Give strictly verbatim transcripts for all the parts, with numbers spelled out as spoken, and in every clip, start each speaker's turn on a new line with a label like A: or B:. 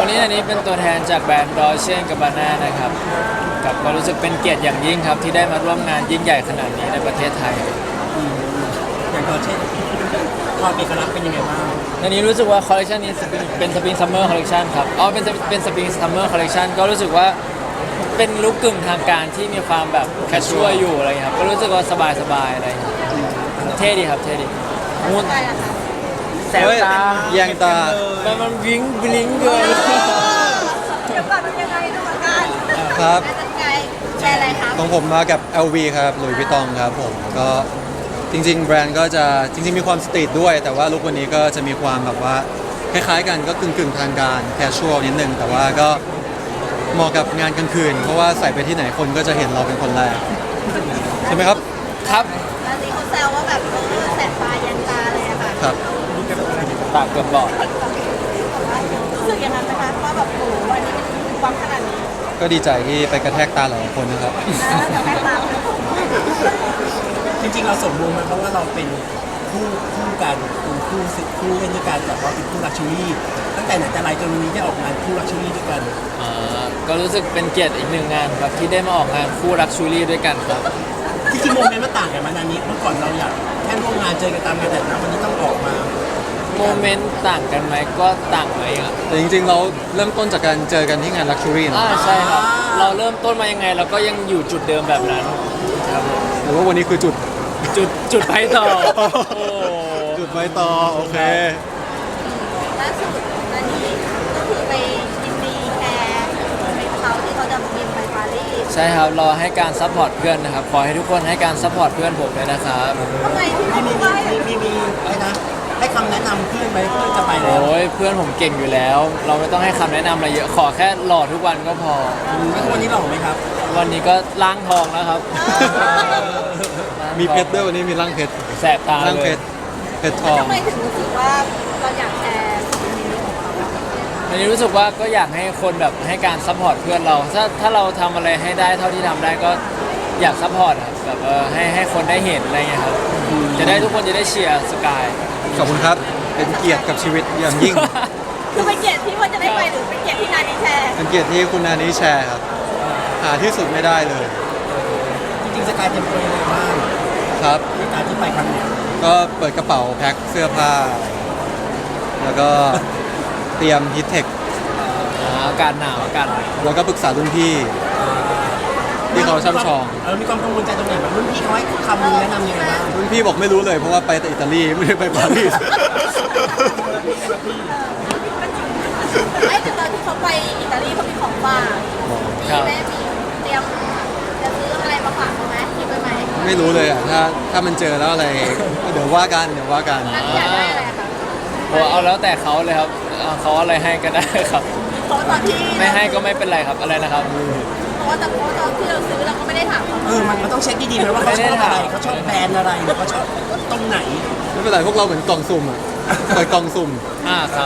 A: วันนี้อันนี้เป็นตัวแทนจากแบรนด์ดอเชียนกับบาน่านะครับกับก็รู้สึกเป็นเกียรติอย่างยิ่งครับที่ได้มาร่วมงานยิ่งใหญ่ขนาดนี้ในประเทศไทย
B: อย่างตัวเช่นความเอกลักษณ์เป็นยังไงบ้าง
A: อันนี้รู้สึกว่าคอลเลคชันนี้เป็นสปริงซัมเมอร์คอลเลคชันครับอ๋อเป็นเป็นสปริงซัมเมอร์คอลเลคชันก็รู้สึกว่าเป็นลุคกึ่งทางการที่มีความแบบแคชชวลอยู่อะไรครับก็รู้สึกว่าสบายๆอะไรเท่ดีครับเท่ดีมูนแสบตา
C: แยงตา
A: มันมันวิ้งบลิงเกิน
D: เดี๋ยวก่อนเป็นยังไงดูอาการ
C: ครับ
D: เป็นยังไงแชร์อะไรคะ
C: ของผมมากับ แอล วี ครับหลุยส์วิตตองครับผมก็จริงๆ แบรนด์ก็จะจริงๆ มีความสตรีทด้วย แต่ว่าลุควันนี้ก็จะมีความแบบว่าคล้ายๆกันก็กึ่งๆ ทางการแคชชวลนิดนึง แต่ว่าก็เหมาะกับงานกลางคืน เพราะว่าใส่ไปที่ไหนคนก็จะเห็นเราเป็นคนแรก ใช่ไหมครับ
A: ครับ
D: แล้วนี่เขาแซวว่าแบบเออแสบตายันตาเลยอะค่ะ
C: ครับ
A: ปากเกือบบอด
D: รู้สึกยังไงนะคะว่าแบบโอ้โหวันนี้มันมีความขนาดนี้
C: ก็ดีใจที่ไปกระแทกตาหลายคนนะครับ
D: นะแต่แค่ตาม
B: จริงๆเราสมบูรณ์มันเพราะว่าเราเป็นคู่คู่กันเป็นคู่สิคู่เล่นด้วยกันแต่ว่าเป็นคู่ลักชัวรี่ตั้งแต่ไหนแต่ไรจนวันนี้ได้ออกงานคู่ลักชัวรี่ด้วยกัน
A: อ่าก็รู้สึกเป็นเกียรติอีกหนึ่งงานครับที่ได้มาออกงานคู่รักชูรี่ด้วยกันครับ
B: จริงๆโมเมนต์มันต่างกันมานานนี้เมื่อก่อนเราอยากแค่ร่วมงานเจอกันตามงานแต่นะวันนี้ต้องออกมา
A: โมเมนต์ต่างกันไหมก็ต่างไหมอ่ะ
C: แต่จริงๆ เราเริ่มต้นจากการเจอกันที่งาน Luxury นะ
A: อ่าใช่ครับ เราเริ่มต้นมายังไงเราก็ยังอยู่จุดเดิมแบบนั้นครับผม
C: หรือว่าวันนี้คือจุด
A: จุดจุดไปต่อโอ้
C: จุดไว้ต่อโอเค
D: ล่าสุดอันนี้ก็คือไปยินดีแคร์เป็นเขาที่เขาจะบินไปปารีส
A: ใช่ครับรอให้การซัพพอร์ตเพื่อนนะครับขอให้ทุกคนให้การซัพพอร์ตเพื่อนผมเลยนะครับ
D: ทำไมที่
B: มี
D: เขา
B: มี
D: บอกว่า
B: มีมีมีอะไรนะให้คำแนะนำเพื่อนไหมเพื่อนจะไปแล้ว
A: โอ้ยเพื่อนผมเก่งอยู่แล้ว เราไม่ต้องให้คำแนะนำอะไรเยอะขอแค่หล่อทุกวันก็พอ
B: แล้ววันนี้หล่อไหมครับ
A: วันนี้ก็ล้างทองแล้วครับ
C: มีเพชรด้วยวันนี้มีร่างเพชร
A: แสบตา
C: ร่าง
A: เล
C: เพ
A: ย
C: ชรเพชรทอง
D: ทำไมถึงรู้สึกว่าเราอยากแชร์สิ่งนี้ของเขาอะ
A: อันนี้รู้สึกว่าก็อยากให้คนแบบให้การซัพพอร์ตเพื่อนเรา ถ้าถ้าเราทำอะไรให้ได้เท่าที่ทำได้ก็อยากซัพพอร์ตครับแบบเออให้ให้คนได้เห็นอะไรเงี้ยครับจะได้ทุกคนจะได้เชียร์สกาย
C: ขอบคุณครับ เป็นเกียรติกับชีวิตอย่างยิ่ง
D: คือเป็นเกียรติที่ว่าจะได้ไปหรือเป็นเกียรติที่นายได้แชร์
C: เป็นเกียรติที่คุณนานี้แชร์ครับ หาที่สุดไม่ได้เลย
B: จริงๆสกายเตรียมตัวยังไงบ้าง
C: ครับ
B: ในการที่ไปครั้งเนี้ย
C: ก็เปิดกระเป๋าแพ็คเสื้อผ้า แล้วก็เตรียมฮิตเทค
A: อ่าอากาศหนาวอากาศหนาว
C: แล้วก็ปรึกษารุ่นพี่ ที่เขาช่ำชอง
B: เออมีความกังวลใจตรงไหนแบบรุ่นพี่เขาให้คำแนะนำยังไงบ้าง
C: รุ่นพี่บอกไม่รู้เลยเพราะว่าไปแต่อิตาลีไม่ได้ไปปารีส
D: ไม่แต่ตอนที่เขาไปอิตาลีเขามีของฝากมีแม่มีเตรียมจะซื้ออะไรมาฝากเขาไหมคิดไว้ไหม
C: ไม่รู้เลยอ่ะถ้าถ้ามันเจอแล้วอะไรก็เดี๋ยวว่ากันเดี๋ยวว่ากัน
D: นั่นอยากได้อะไรอะคะ
A: โอ้เอาแล้วแต่เขาเลยครับเอาเขาอะไรให้ก็ได้ครับ
D: เพราะว่าตอนที่
A: ไม่ให้ก็ไม่เป็นไรครับอะไรนะครับ
D: เพราะว่าแต่เพราะว่าตอนที่เราซื้อเราก็ไม่ได้ถามเขา
B: เออมันมันต้องเช็คดีๆไหมว่าเขาชอบอะไรเขาชอบแบรนด์อะไรหรือเขาชอบตรงไหน
C: ไม่เป็นไรพวกเราเหมือนกล่องสุ่มอ่ะเปิดกล่องสุ่ม
A: อ่าครับ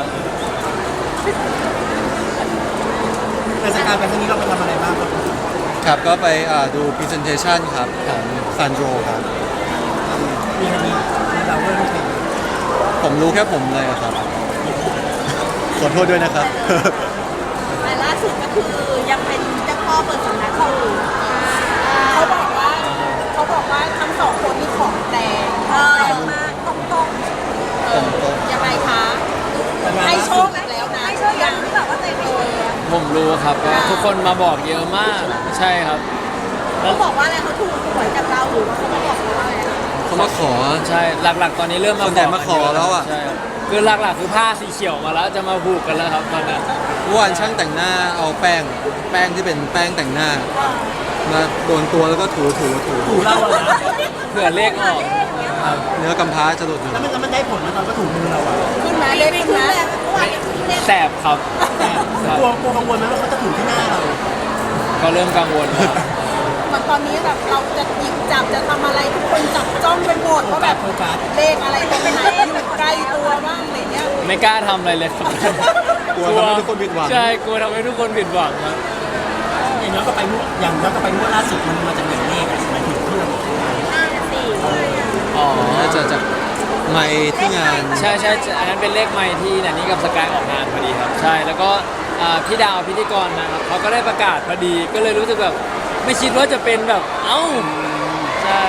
B: แต่สกายไปครั้งนี้เราไปทำอะไรบ้างครับ
C: ครับก็ไปอ่าดู presentation ครับของซันโดครับ
B: มีอันนี้เราเริ่มเป็น
C: ผมรู้แค่ผมเลยอะครับ ขอโทษด้วยนะครับ
D: แต่ล่าสุดก็คือยังเป็นเจ้าพ่อเปิดสำนักเขาอยู่เขาบอกว่าเขาบอกว่าทั้งสองคนมีของแต่งเออมากตรงตรงๆเออยังไงคะให้โชคอีกแล้วนะให้โชคยังที่แบบว่าตัวเองไม่เออ
A: ผมรู้ครับว่าทุกคนมาบอกเยอะมากใช่ครับ
D: เขาบอกว่าอะไรเขาถูกหวยกับเราหรือว่าเขามาบอกเราว่าอะไรคะ
C: เขามาขอ
A: ใช่หลักๆ ตอนนี้เริ่มมา
C: ส่วนใหญ่มาขอแล้วอะ
A: ใช่ครับคือหลักๆคือผ้าสีเขียวมาแล้วจะมาผูกกันแล้วครับตอนนี้
C: เมื่อวานช่างแต่งหน้าเอาแป้ง แป้งที่เป็นแป้งแต่งหน้า มาโดนตัวแล้วก็ถูถูถู
B: ถูเราอะนะ
A: เผื่อเลขออกครับ
C: เนื้อกำพร้าจะหลุดอยู่
B: แล้วมันแล้วมันได้ผลไหมตอนก็ถูมือเราอะ
D: ขึ้นมาเลขขึ้นมาเมื่อวานยังขึ้นเลข
A: แสบครับครับ
B: กลัวกลัวกังวลไหมว่าเขาจะถูที่หน้าเรา
A: ก็เริ่มกังวลครับ
D: เหมือนตอนนี้แบบเราจะหยิบจับจะทำอะไรทุกคนจับจ้องไปหมด
B: โฟ
D: ว่า
B: กั
D: แบ
B: ส
D: บ
B: โฟกัส
D: เลขอะไรตรงไหนอยู่ใกล้ตัวบ้างอะไรเงี้ย
A: ไม่กล้าทำอะไรเลยครับ
C: กลัวทำให้ทุกคนผิดหวัง
A: ใช่กลัวทำให้ทุกคนผิดหวังครับ
B: อย่างย้อนกลับไปงวดอย่างย้อนกลับไปงวดล่าสุดมันมาจากไหนเลขอะหมายถึงที่เรา
D: ห้าสี่
A: อ๋อ
C: น่าจะจากไมค์ที่งาน
A: ใช่ใช่อันนั้นเป็นเลขไมค์ที่นันนี่กับสกายออกงานพอดีครับ ใช่แล้วก็อ่าพี่ดาวพิธีกรนะครับเขาก็ได้ประกาศพอดีก็เลยรู้สึกแบบไม่คิดว่าจะเป็นแบบเอ้าใช่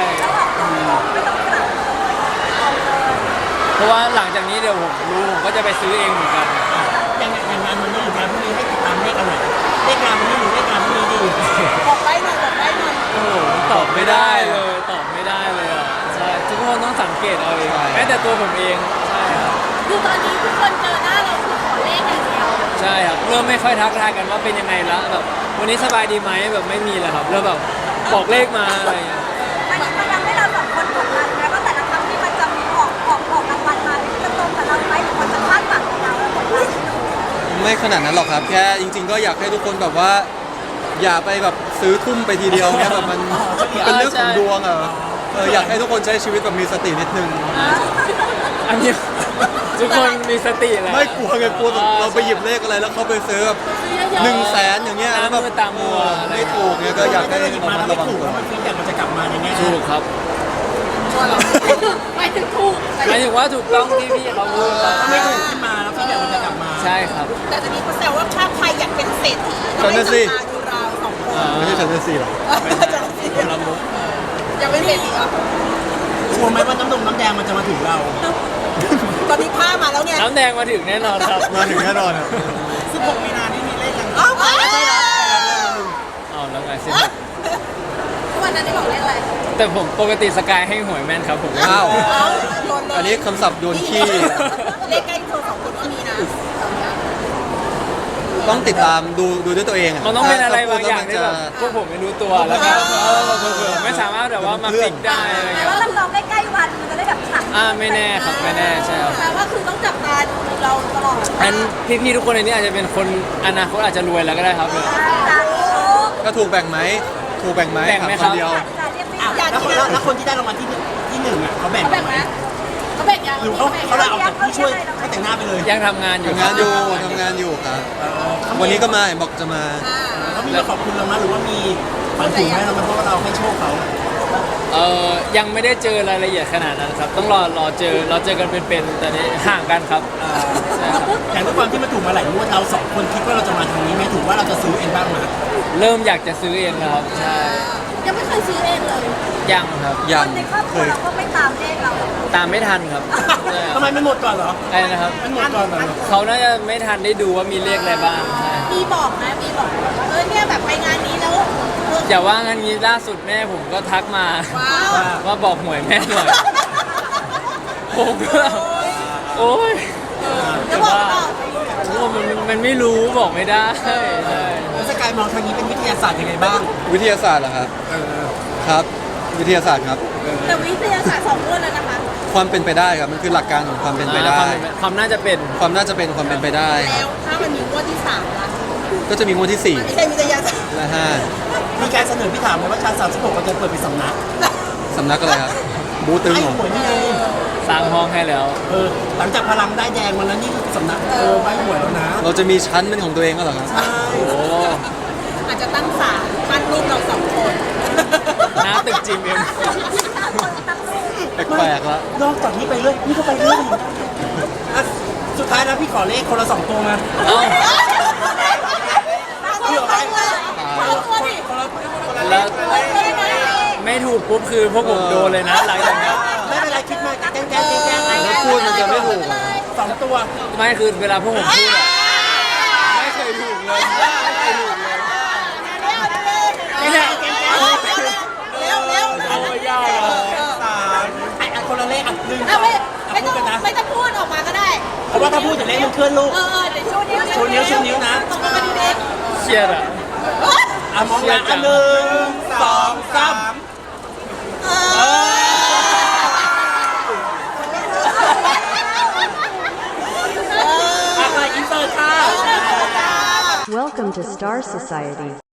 A: เพราะว่าหลังจากนี้เดี๋ยวผมรู้ผมก็จะไปซื้อเองเหมือนกัน
B: อย่างอย่างงานวันนี้หรืองานพรุ่งนี้ให้ติดตามเลขอะไรเลขงานวันนี้หรือเลขงานพรุ่งนี้ดี
D: บอกไปหน่อยบอกไปหน่อย
A: โอ้โหตอบไม่ได้เลยตอบไม่ได้เลยอ่ะใช่ทุกคนต้องสังเกตเอาเองแม้แต่ตัวผมเองใช่ครับ
D: คือตอนนี้ทุกคนเจอหน้าเราคือขอเลขอย่างเดียว
A: ใช่ครับเริ่มไม่ค่อยทักทายกันว่าเป็นยังไงละแบบวันนี้สบายดีไหมแบบไม่มีแล้วครับเริ่มแบบบอกเลขมาอะไรอย่างเงี้ย
D: มันมันทำให้เราสองคนกดดันนะว่าแต่ละครั้งที่มันจะมีออกออกออกรางวัลมาจะตรงกับเราไหมหรือมันจะคาดหวังกับเราแล้วกดดัน
C: ไม่ขนาดนั้นหรอกครับ แค่จริง ๆ ก็อยากให้ทุกคนแบบว่า อย่าไปแบบซื้อทุ่มไปทีเดียวเนี่ยแบบมันเป็นเรื่องของดวงอ่ะเอออยากให้ทุกคนใช้ชีวิตแบบมีสตินิดนึง
A: อันนี้ทุกคนมีสติแล้ว
C: ไม่กลัวไงกลัวแบบเราไปหยิบเลขอะไรแล้วเขาไปซื้อแบบหนึ่งแสนอย่างเงี้ยแล้วแบบ
A: ตามมือตามมัวอะไร
C: ไม่ถูกเนี่ยก็อยากให้
B: ถ้าเราหยิบ
C: ระ
B: มา
C: มั
B: แล้
C: ด
B: วไม่
C: ระวัง
B: ถูก
C: ตัว
B: แล้วมันฟีดแบ็กมันจะกลับมาในแง่
A: ถูกครับ
D: หมายถึงถูก
A: หมายถึงว่าถูกต้องที่พี่เขาพูดครับ
B: ถ้าไม่ถูกขึ้นมาแล้วฟีดแบ็กมันจะกลับมา
A: ใช่ครับ
D: แต่จะมีคนแซวว่าถ้าใครอยากเป็นเศรษฐี
C: ฉันน่ะสิ
D: มาดูเราสองคน
C: ไม่ใช่ฉันจะสี่หรอก
D: จะเป็นละมุกอยากเป็นเศรษฐีเหรอก
B: ลัวไหมว่าน้ำนมน้ำแดงมันจะมาถึงเรา
D: ตอนนี้ผ้ามาแล้วเนี่ย
A: น้ำแดงมาถึงแน่นอนครับ
C: มาถึงแน่นอนอ่ะ
B: สิบหกมีนาที่มีเลขกัน
D: อ้าวไม่ใช่แล้ว
A: เอาแล้วไงสิ
D: วันนั้นได้บอกเลขอะไร
A: แต่ผมปกติสกายให้หวยแม่นครับผม
C: อ้าว
D: อ้าวโดนเลย
C: อันนี้คำศัพท์โดนขี้
D: เลขใกล้ตัวสองคนก็มีนะ
C: ต้องติดตามดูดูด้วยตัวเองอ่ะ
A: มันต้องเป็นอะไรบางอย่าง
C: ถ้
A: ที่
C: พูด
A: แบ
C: แล้ว
A: บ
C: มันจะ
A: พวกผมไม่รู้ตัวแล้วก็เออเผื่อๆไม่สามารถแบบว่ามาฟิกได้อะไร
D: แต่
A: เงี้ย
D: ว่าเราลองใกล้ๆวันมันจะได้แบบขัง
A: อ่าไม่แน่ครับไม่แน่ใช่ครับ
D: แปลว่าคือต้องจับตาดูเราตลอด
A: อันพี่ๆทุกคนในนี้อาจจะเป็นคนอนาคตอาจจะรวยแล้วก็ได้ครับ
D: ตาดู
C: ก็ถูกแบ่งไหมถูกแบ่งไหม
A: แบ่งไหม
C: ถา
A: ครับ
C: นเดียว
B: อ่ะแล้วคนแล้วคนที่ได้รางวัลที่หนึ่งที่หนึ่งอ่ะเขาแบ่ง
D: เขาแบ่งไหมเขาแบ่งยัง
B: หรือเขาเขาลาออกจากผู้ช่วยให้แต่งหน้าไปเลย
A: ยังทำงานอยู่
C: ทำงานอยู่ทำงานอยู่ครับ วันนี้ก็มาเห็นบอกจะมา
B: เขามีมาขอบคุณเราไหมหรือว่ามีฝันถึงไหมเราไหมเพราะว่าเราให้โชคเขา
A: เออยังไม่ได้เจอรายละเอียดขนาดนั้นครับ ต้องรอรอเจอเราเจอกันเป็นๆแต่นี้ห่างกันครับใช่ครับ
B: แต่ด้วยความที่มันถูกมาหลายงวดเราสองคนคิดว่าเราจะมาทางนี้ไหมถือว่าเราจะซื้อเองบ้างไหม
A: เริ่มอยากจะซื้อเองแล้วครับใช่
D: ยังไม่เคยซื้อเองเลย
A: ยังครับ
C: ยัง
D: ในครอบค
C: เค
D: รัวย เราก็ไม่ตามเลขเรา
A: ตามไม่ทันครับใช่ค
B: ทำ
A: รับ
B: ไมไม่หมดก่อนเหรอ
A: ไอ้นะครับ
B: ไม่หมดก่อนเหรอ
A: เขาน่าจะไม่ทันได้ดูว่ามีเลขอะไรบ้างใช่
D: มีบอกนะมีบอกเออเนี่ยแบบไปงานนี้แล้วเออ
A: อย่าว่างั้นนี้ล่าสุดแม่ผมก็ทักมา
D: ว้าว
A: ว่าบอกหวยแม่หน่อยผมก็แบบโอ๊ย
D: จะบอกต่อ
A: โอ้มันมันไม่รู้บอกไม่ได้ใช่
B: แล้วสกายมองทางนี้เป็นวิทยาศาสตร์ยังไงบ้าง
C: วิทยาศาสตร์เหรอครับ
B: เออ
C: ครับ วิทยาศาสตร์ครับ
D: แต่วิทยาศาสตร์สองคนแล้วนะคะ
C: ความเป็นไปได้ครับมันคือหลักการของความเป็นไปได้
A: ความเป็นความน่าจะเป็น
C: ความน่าจะเป็นความเป็นไปได้ค
D: แล้
C: รับ
D: วถ้ามันมีงวดที่สามล่ะ
C: ก็จะมีงวดที่สี่
D: ไม่ใช่วิทยาศาสตร์
C: และห้า
B: มีการเสนอพี่ถามไหมว่าชั้นสามสิบหกเราจะเปิดเป็นสำนัก
C: สำนักอะไรครับบูตึง
B: ให้
C: เหรอ
B: หวยนี่ไง
A: สร้างห้องให้แล้ว
B: เออหลังจากพลังได้แดงวันนั้นนี่คือสำนักเออใบหวยแล้วนะ
C: เราจะมีชั้นเป็นของตัวเองก็เหรอครับ
B: ใช่
A: โอ้
D: อาจจะตั้งศาลปั้นรูปเราสองคน
A: หน้าตึกจีเอ็ม
C: แปลกๆละ
B: นอกจากนี้ไปเรื่อยนี่ก็ไปเรื่อยอ่ะสุดท้ายแล้วพี่ขอเลขคนละสองตัวมา
A: เอ้า
B: เผื่อไป
D: เอาตัวดิ
B: คนละคนละเล
A: แล้ว
B: ขคนละเลข
A: ไม่ถูกปุ๊บคือพวกผมโดนเลยนะหลังจากนี้
B: ไม่เป็นไรคิดมาแกล้งแกล้งแกล้งแกล้ง
C: แล้วพูดมันจะไม่ถูกเหรอ
B: สองตัว
A: ไม่คือเวลาพวกผมพูดอะไม่เคยถูกเลยไม่เคยถูกเลย
B: ไม่ได้แกล้งแกล้ง
D: เร็วเร็ว
A: เอาไม่ยากเลย
B: สามไอ้อันคนละเลขอ่ะหนึ่งส
D: เอา
B: อง
D: ไม่
B: อ่ะ
D: ไม่
B: พู
D: ต้
B: ด
D: อง
B: กันนะ
D: ไม่ต้องพูดออกมาก็ได้
B: เพราะว่าถ้าพูดจะเลขมันเคลื่อนลูก
D: เออเออเดี๋ยวชูนิ้ว
B: ชูนิ้วชูนิ้วนะ
D: ตรงกันดีเด็ก
A: เครียดอะ
B: อ่ะมองนะอันหนึ่งสองสามเอออ่ะมาอินเตอร์ค่ะ
E: Welcome to Star Society.